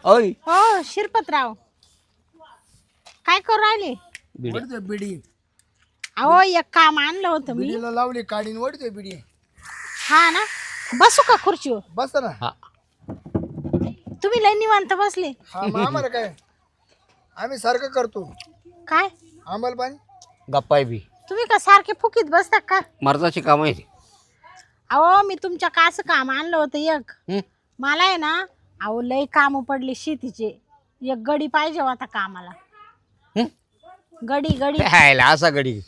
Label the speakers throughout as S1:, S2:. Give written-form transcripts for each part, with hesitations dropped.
S1: ओय
S2: हो शिरपतराव काय करू राहिले?
S3: वडतोय बिडी.
S2: अहो एक काम आणलं होतं मी.
S3: बिडीला लावली काढीन वडतोय बिडी.
S2: हा ना, बसू का खुर्चीवर?
S3: बस ना.
S1: हा
S2: तुम्ही लय निवांत बसले.
S3: हा मग आम्हाला काय, आम्ही सारखं करतो.
S2: काय
S3: आम्हाला पाणी
S1: गप्पाय बी
S2: तुम्ही का सारखे फुकीत बसता का?
S1: मर्दाची काम आहे ती.
S2: अहो मी तुमच्या का असं काम आणलं होतं एक.
S1: हं?
S2: मला आहे ना, अहो लय काम पडले शेतीचे. एक गडी पाहिजे होता कामाला.
S1: हं?
S2: गडी गडी
S1: हायला असा गडी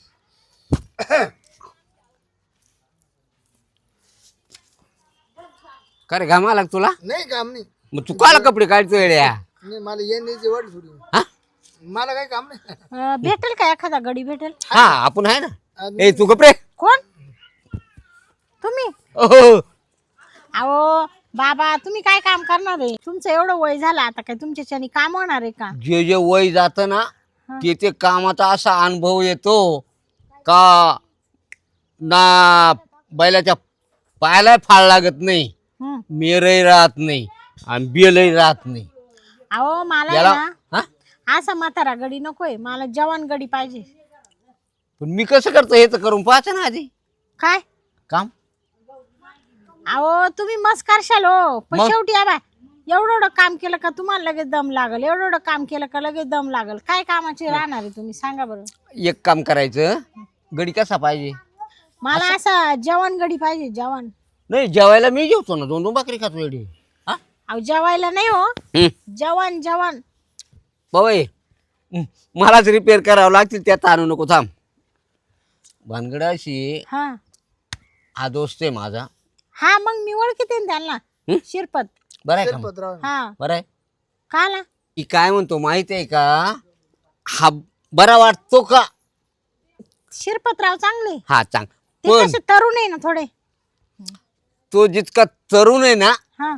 S1: का रे घाम आला का तुला?
S3: नाही काम नाही.
S1: मग तू काला कपडे काढतोय येड्या?
S3: नाही मला येण्याची वाट थोडी.
S1: हा
S3: मला काही काम नाही.
S2: भेटेल का एखादा गडी भेटेल?
S1: हा आपण आहे ना.
S3: आम्ही-
S1: ए तू कपडे
S2: कोण तुम्ही?
S1: ओहो
S2: अहो बाबा तुम्ही काय काम करणार आहे? तुमचं एवढं वय झालं आता काय तुमच्याच्याने काम होणार आहे का?
S1: जे जे वय जात ना ते ते कामाचा असा अनुभव येतो का ना बैलाच्या पायाला फाळ लागत नाही,
S2: हं.
S1: मेरही राहत नाही आणि बेलही राहत नाही.
S2: अहो मला आहे
S1: याला
S2: ना
S1: हा
S2: असा म्हातारा गडी नकोय, मला जवान गडी पाहिजे.
S1: पण मी कसं करतो हे तर करून पाहायचं ना आधी
S2: काय
S1: काम.
S2: अहो तुम्ही मस्त करशाल हो, पण
S1: मग?
S2: शेवटी आबा एवढं एवढं काम केलं का तुम्हाला लगेच दम लागल, एवढं एवढं काम केलं का लगेच दम लागल. काय कामाचे राहणार आहे तुम्ही सांगा बरं?
S1: एक काम करायचं, गडी कसा पाहिजे?
S2: मला असा जवान गडी पाहिजे, जवान.
S1: नाही जेवायला मी जेवतो ना, 2-2 भाकरी खातो एवढी. हा
S2: अहो जेवायला नाही हो,
S1: हं.
S2: जवान जवान.
S1: बाबाई मलाच रिपेअर करावं लागतील, त्यात आणू नको. थांब. भानगड अशी,
S2: हा
S1: हा दोस्त आहे माझा.
S2: हा मग मी ओळखीते ना त्यांना.
S1: हं?
S2: शिरपत.
S1: बरं आहे का मग?
S3: शिरपतराव.
S2: हा
S1: बरं आहे.
S2: का ना?
S1: की काय म्हणतो माहिती आहे का, हा बरा वाटतो का?
S2: शिरपतराव चांगले
S1: हा चांग.
S2: ते
S1: पण
S2: कसे तरुण आहे ना थोडे.
S1: तो जितका तरुण आहे ना
S2: हा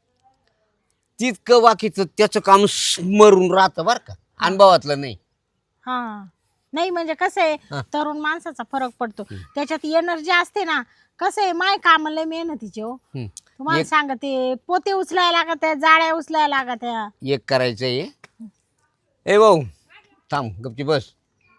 S1: तितकं बाकीचं त्याचं काम स्मरून राहतं बरं का, अनुभवातलं नाही.
S2: हा नाही म्हणजे कसं आहे,
S1: हा.
S2: तरुण माणसाचा फरक पडतो त्याच्यात, एनर्जी असते ना. कसं आहे माय काम लय मेहनतीचे हो.
S1: हं.
S2: तुम्हाला सांगते, पोते उचलायला लागत आहे, जाळ्या उचलायला लागत आहे.
S1: एक करायचंय. ए भाऊ थांब गपची बस.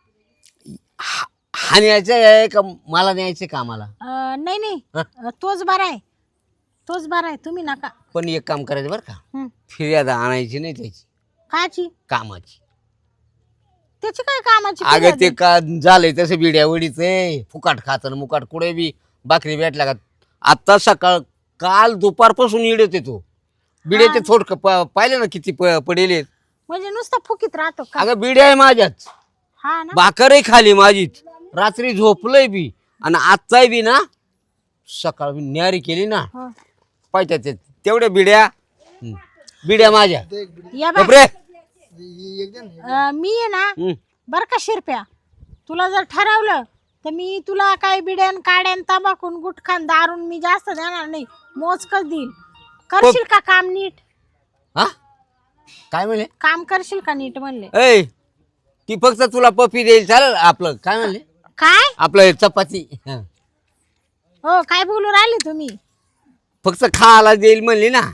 S1: हा न्यायचं आहे का मला न्यायचं कामाला?
S2: नाही नाही
S1: हा.
S2: तोच बरा आहे, तोच बरा आहे, तुम्ही नका.
S1: पण एक काम करायचं बरं का,
S2: हं.
S1: फिर्याद आणायची नाही त्याची,
S2: काची
S1: कामाची.
S2: त्याची काय कामाची
S1: अगं
S2: फिर्याद
S1: ते
S2: आहे?
S1: का झालंय तसं बिड्या वडीच आहे, फुकाट खातं मुकाट कुठे बी भाकरी भेटला का. आता सकाळ काल दुपारपासून येते तो बिड्याचे थोडक पाहिले ना किती पडेल.
S2: म्हणजे नुसतं फुकीत राहतो का?
S1: अगं बिड्या आहे माझ्याच,
S2: हा ना.
S1: भाकरही खाली माझीच, रात्री झोपलंय बी आणि आजचाही बी ना, सकाळ न्यारी केली ना
S2: हो.
S1: पाहिजे तेवढ्या बिड्या. बिड्या माझ्या.
S3: ते एक बिडी.
S2: या बाय.
S1: बापरे.
S3: एक दे ना.
S2: मी आहे ना
S1: हं.
S2: बर का शिरप्या, तुला जर ठरवलं तर मी तुला काय बिड्यान काड्यान तंबाखून गुटखान दारून मी जास्त देणार नाही, मोजकच देईल. करशील का काम नीट?
S1: हा काय म्हणले?
S2: काम करशील का नीट म्हणले?
S1: ऐ ती फक्त तुला पपी देईल चालेल. आपलं काय म्हणले?
S2: काय
S1: आपलं चपाती. हं.
S2: हो काय बोलू राहिले तुम्ही?
S1: फक्त खायला देईल म्हणली ना.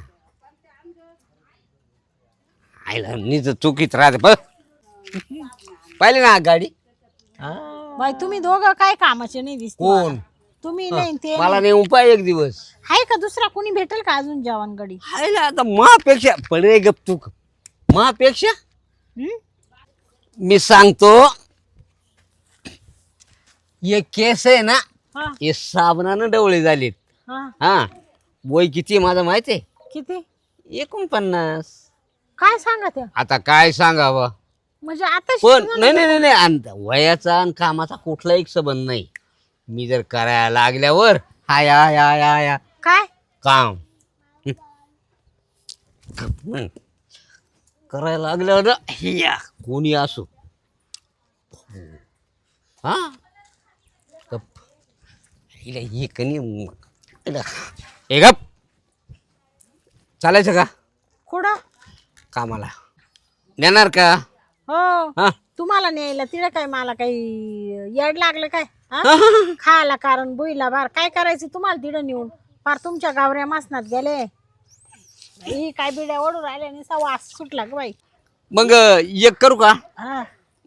S1: आईला नीच चुकीत राहते बघ. पाहिले ना गाडी. हा.
S2: बाई तुम्ही दोघं काय कामाचे नाही दिसत.
S1: कोण?
S2: तुम्ही नाही ते
S1: मला नाही उपाय एक दिवस.
S2: आहे का दुसरा कोणी भेटेल का अजून जवान गडी?
S1: आईला आता मापेक्षा पडे गप तू मापेक्षा
S2: हं?
S1: मी सांगतो, हे केस आहे ना,
S2: हा
S1: हे साबणानं डवळे झालेत.
S2: हा
S1: हा वय किती माझं माहिती आहे?
S2: किती?
S1: 49.
S2: काय सांगा त्या?
S1: आता काय सांगावं.
S2: म्हणजे आता
S1: पण नाही नाही नाही नाही आणि वयाचा आणि कामाचा कुठला एक संबंध नाही. मी जर करायला लागल्यावर हाय हाय हाय हाय
S2: काय
S1: काम हं. करायला लागल्यावर ना, हिया कोणी असो हा गप. हिला हे कनी हे गप. चालायचं का
S2: कुठं?
S1: कामाला नेणार का?
S2: हो
S1: हा
S2: तुम्हाला न्यायला तिला काय, मला काही येड लागलं काय? हा? खायला कारण बुईला बार काय करायचं तुम्हाला तिथं नेऊन? फार तुमच्या गावऱ्या मासनात गेले. ही काय बिड्या ओढून राहिल्या आणि वास सुटला ग बाई.
S1: मग एक करू का?
S2: हा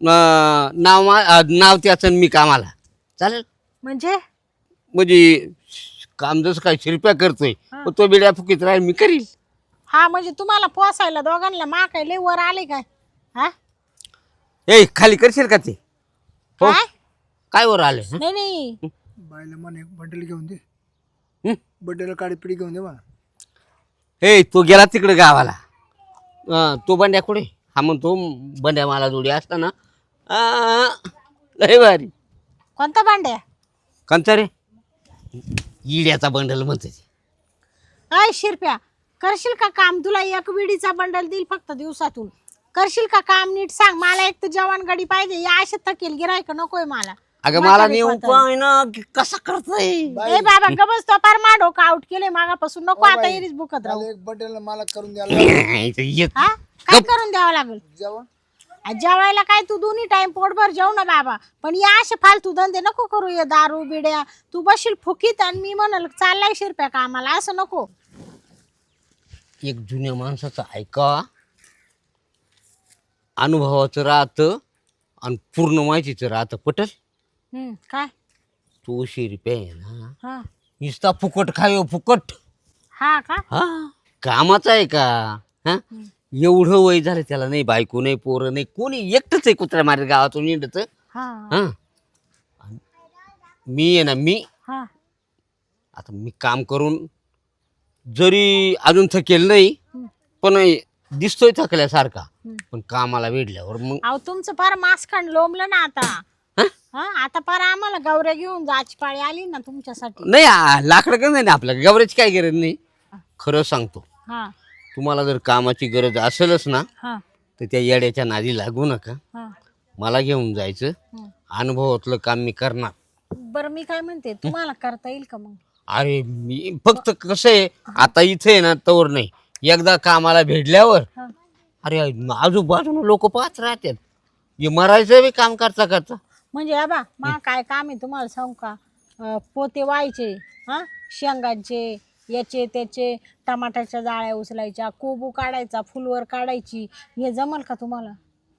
S1: नाव त्याचं मी कामाला चालेल.
S2: म्हणजे
S1: म्हणजे काम जसं काय शिरप्या करतोय मग तो बिड्या फुकीत राहील मी करील.
S2: हा म्हणजे तुम्हाला पोसायला दोघांना मा काय लय वर आले काय? हा
S1: ए खाली करशील का ते? हो.
S2: काय
S1: काय वर आले?
S2: नाही नाही
S3: बायला म्हणे बड्डेला घेऊन दे,
S1: हं?
S3: बड्डेला काळी पिढी घेऊन दे मला.
S1: ए तो गेला तिकडे गावाला. तो बंड्या कुठे? हा म्हणतो बंड्या मला जोडी असताना लय भारी.
S2: कोणता भांड्या?
S1: कंचा रे इड्याचा बंडल म्हणते ते.
S2: अय शिरप्या करशील का काम? तुला एक विडीचा बंडल देईल फक्त दिवसातून. करशील का काम नीट सांग मला. एक तर जवान गाडी पाहिजे. या अशा थकेल गिरायक नकोय मला.
S1: अगं मला नेऊ पाय ना कसा करतोय.
S2: ए बाबा गबस तो पार मा डोकं आउट केले मागापासून. नको आता इरीच बुकत राहू.
S3: मला एक बड्डेला मला करून द्यायला
S1: येत.
S2: हा काय करून द्यावं लागेल?
S3: जेवण.
S2: जेवायला काय तू दोन्ही टाइम पोटभर जेव ना बाबा. पण या असे फालतू धंदे नको करू. ये दारू बिड्या तू बशील फुकीत आणि मी म्हणाल चाललाय शिरप्या कामाला. असं नको.
S1: एक जुन्या माणसाचं ऐका. अनुभवाचं राहतं आणि पूर्ण माहितीचं राहतं. पटल?
S2: काय
S1: तो शिरप्या आहे ना
S2: हा
S1: नुसता फुकट खायो फुकट.
S2: हा का
S1: हा कामाचा आहे का? हा एवढं वय झालं त्याला नाही बायको नाही पोरं नाही कोणी. एकटंच आहे कुत्र्या मारे गावातून निंडत.
S2: हा
S1: हा मी आहे ना मी
S2: हा
S1: आता मी काम करून जरी अजून थकेल नाही पण दिसतोय थकल्यासारखा. पण कामाला भेटल्यावर मग
S2: अहो तुमचं फार मासखंड लोंबलं ना आता. हा आता फार आम्हाला गौऱ्या घेऊन जायची पाळी आली ना तुमच्यासाठी.
S1: नाही लाकडं का नाही आपल्या गवऱ्याची काय गरज नाही. खरं सांगतो
S2: हा
S1: तुम्हाला जर कामाची गरज असेलच ना
S2: हा
S1: तर त्या येड्याच्या नादी लागू नका.
S2: हा
S1: मला घेऊन जायचं. अनुभवातलं काम मी करणार.
S2: बरं मी काय म्हणते तुम्हाला करता येईल का मग?
S1: अरे मी फक्त कसं आहे आता इथे आहे ना तवर नाही. एकदा कामाला भेटल्यावर
S2: हा.
S1: अरे आजूबाजूला लोक पाहत राहतात. हे मरायचं बी काम करता करता.
S2: म्हणजे आबा मा काय काम आहे तुम्हाला सांगू का? पोते व्हायचे हा शेंगांचे याचे त्याचे टमाट्याच्या जाळ्या उचलायच्या कोबू काढायचा फुलवर काढायची. हे जमल का तुम्हाला?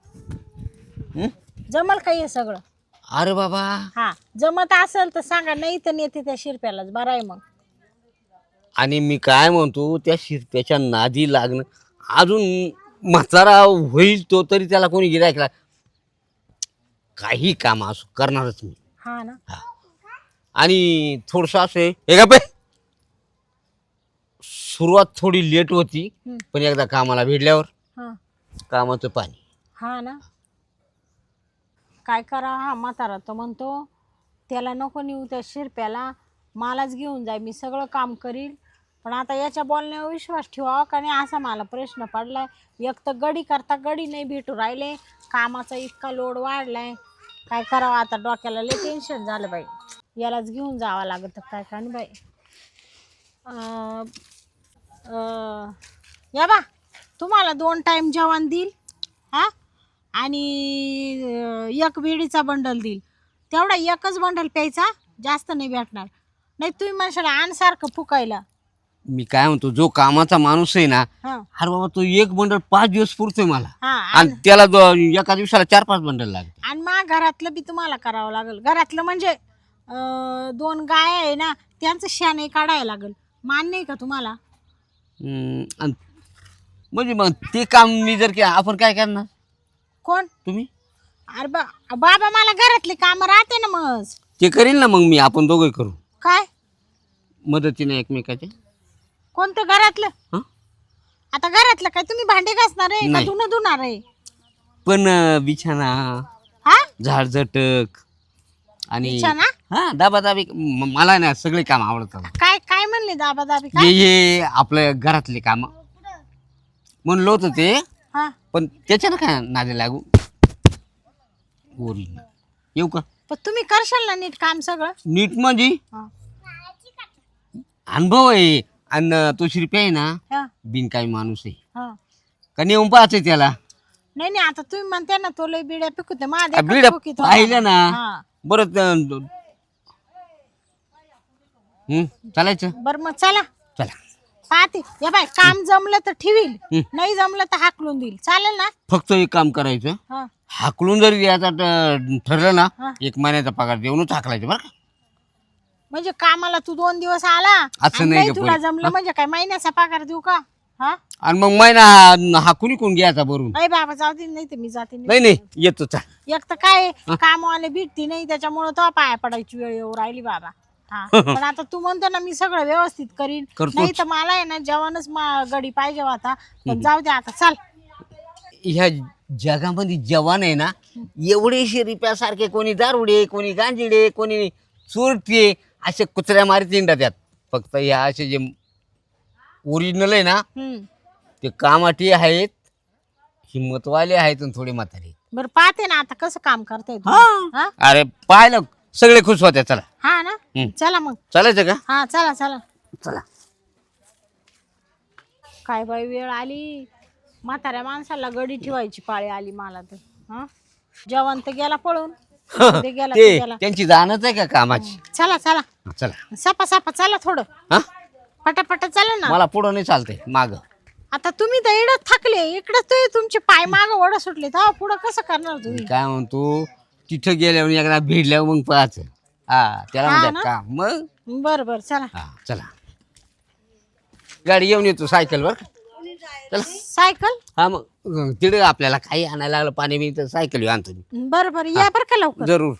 S2: जमल का हे सगळं?
S1: अरे बाबा
S2: हा जमत असेल तर सांगा. नाही तर नेते त्या शिरप्यालाच. बरं आहे मग.
S1: आणि मी काय म्हणतो त्या शिरप्याच्या नादी लागणं अजून म्हातारा होईल तो तरी त्याला कोणी गिरायकला काही काम असो करणारच मी.
S2: हा ना
S1: आणि थोडंसं असं आहे हे का पे सुरुवात थोडी लेट होती पण एकदा कामाला भेटल्यावर
S2: हा
S1: कामाचं पाणी.
S2: हा ना काय करा. हा म्हातारा तो म्हणतो त्याला नको नेऊ त्या शिरप्याला मलाच घेऊन जाय मी सगळं काम करील. पण आता याच्या बोलण्यावर विश्वास ठेवावा का नाही असा मला प्रश्न पडलाय. एक तर गडी करता गडी नाही भेटू राहिले. कामाचा इतका लोड वाढलाय. काय करावं आता डोक्याला लय टेन्शन झालं बाई. यालाच घेऊन जावं लागत काय का नाही बाई. या बा तुम्हाला 2 टाइम जेवण देईल हा आणि एक वेळीचा बंडल देईल. तेवढा एकच बंडल प्यायचा जास्त नाही भेटणार. नाही तुम्ही म्हणशाल आणसारखं फुकायला.
S1: मी काय म्हणतो जो कामाचा माणूस आहे ना
S2: हा
S1: अरे बाबा तो एक बंडल 5 दिवस पुरतोय मला.
S2: हा
S1: आणि त्याला एका दिवसाला 4-5 बंडल लागते.
S2: आणि मग घरातलं बी तुम्हाला करावं लागेल. घरातलं म्हणजे 2 गाय आहे ना त्यांचं शेण काढायला लागेल. मान्य आहे का तुम्हाला?
S1: आणि म्हणजे मग ते काम मी जर केलं आपण काय करणार?
S2: कोण?
S1: तुम्ही?
S2: अरे बाबा मला घरातले काम राहते ना मग.
S1: ते करील ना मग मी आपण दोघं करू
S2: काय
S1: मदतीने एकमेकाच्या.
S2: कोणतं घरातलं?
S1: हं?
S2: आता घरातलं काय तुम्ही भांडे घासणार आहे का
S1: नाही.
S2: धुणं धुणार आहे?
S1: पण बिछाना
S2: हा
S1: झाडझटक आणि
S2: बिछाना?
S1: हा दाबादाबी मला ना सगळे काम आवडतात.
S2: काय काय म्हणले दाबा
S1: हे
S2: काय?
S1: हे आपल्या घरातले काम म्हणलं होतं ते
S2: हा
S1: पण त्याच्यानं काय नादी लागू ओरिजिनल येऊ का?
S2: पण तुम्ही करशाल ना नीट काम सगळं?
S1: नीट म्हणजे
S2: हा.
S1: अनुभव आहे. आणि तो शिरप्या आहे ना
S2: हा,
S1: बिनकामी माणूस आहे
S2: हा.
S1: का नेऊन पाहते त्याला.
S2: नाही नाही आता तुम्ही म्हणते ना तो लय बिड्या पिकवते
S1: बिड्या पाहिलं ना बरं
S2: बर
S1: चालायचं.
S2: मग चला.
S1: चला
S2: पाहते या बाय, काम जमलं तर ठेवील, नाही जमलं तर हाकलून देईल, चालेल ना?
S1: फक्त एक काम करायचं,
S2: हा.
S1: हाकलून जरी द्यायचा ठरलं ना,
S2: हा.
S1: 1 महिन्याचा पगार देऊनच हाकलायचं बरं का.
S2: म्हणजे कामाला तू 2 दिवस आला
S1: असं
S2: आणि
S1: नाही
S2: नाही
S1: का
S2: तुला
S1: पोरी?
S2: जमलं म्हणजे काय महिन्याचा पगार देऊ का? हा
S1: आणि मग महिना हाकून कोण घ्यायचा भरून?
S2: अरे बाबा जाऊ दे, नाही तर मी जाते नाही.
S1: नाही नाही येतो चाल.
S2: एक तर काय कामवाले भेटती नाही त्याच्यामुळे तो पाया पडायची वेळ येऊ राहिली बाबा. हा पण आता तू म्हणतो ना मी सगळं व्यवस्थित करीन,
S1: करतोच.
S2: नाही तर मला आहे ना जेवणच गडी पाहिजे होता. पण जाऊ दे आता, चल.
S1: ह्या जगामध्ये जवान आहे ना, एवढे रिप्यासारखे, कोणी दारुडे, कोणी गांजिडे, कोणी चोरटे, असे कुत्र्या मारीत इंडा त्यात. फक्त ह्या असे जे ओरिजिनल आहे ना,
S2: हम्म.
S1: ते कामाटी आहेत, हिंमतवाले आहेत आणि थोडे म्हातारे.
S2: बरं पाहते ना आता कसं काम करताय तुम्ही. हा
S1: अरे पाहिलं सगळे खुश होते. चला
S2: हा ना, चला मग.
S1: चालायचं का?
S2: हा चला चला.
S1: चला.
S2: काय बाई वेळ आली, म्हाताऱ्या माणसाला गडी ठेवायची पाळी आली मला तर. हा जेवण तर गेला पळून, ते गेला ते
S1: ते
S2: गेला.
S1: त्यांची जाणच आहे का कामाची.
S2: चला चला,
S1: चला
S2: सपा सपा चला थोडं,
S1: हा,
S2: पटापट चला ना.
S1: मला पुढं नाही चालतंय, माग.
S2: आता तुम्ही तर इकडं थकले, इकडं तो तुमचे पाय माग वड सुटले, तेव्हा पुढं कसं करणार तुम्ही?
S1: काय म्हणतो, तिथं गेल्यावर एकदा भिडल्यावर मग पाहायचं. हा त्याला
S2: हा
S1: म्हणतात
S2: ना?
S1: काम. मग
S2: बर बर चला.
S1: हा चला, गाडी घेऊन येतो सायकल वर. चला.
S2: सायकल.
S1: हा मग तिकडे आपल्याला काही आणायला लागलं, पाणी बी, तर सायकल आणतो मी.
S2: बर बर या बर का लवकर.
S1: जरूर.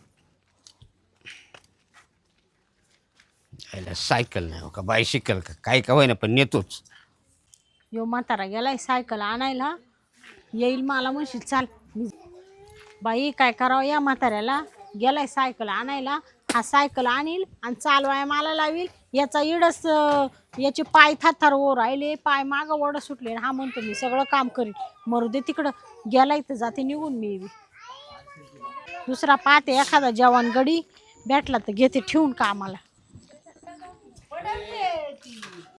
S1: सायकल नाही हो का, बायसिकल का, काही का होईना पण नेतोच.
S2: यो म्हातारा गेलाय सायकल आणायला, येईल मला म्हणशील चाल. बाई काय करावं या म्हाताऱ्याला, गेलाय सायकल आणायला, हा सायकल आणील आणि चालवाय मला लावील. याचा इडच याचे पाय थार ओ राहिले, पाय माग वड सुटले. हा म्हणतो मी सगळं काम करीन, मरू दे तिकडं, गेलाय तर जाते निघून मी. दुसरा पाहते एखादा जवान गडी भेटला तर घेते ठेवून कामाला.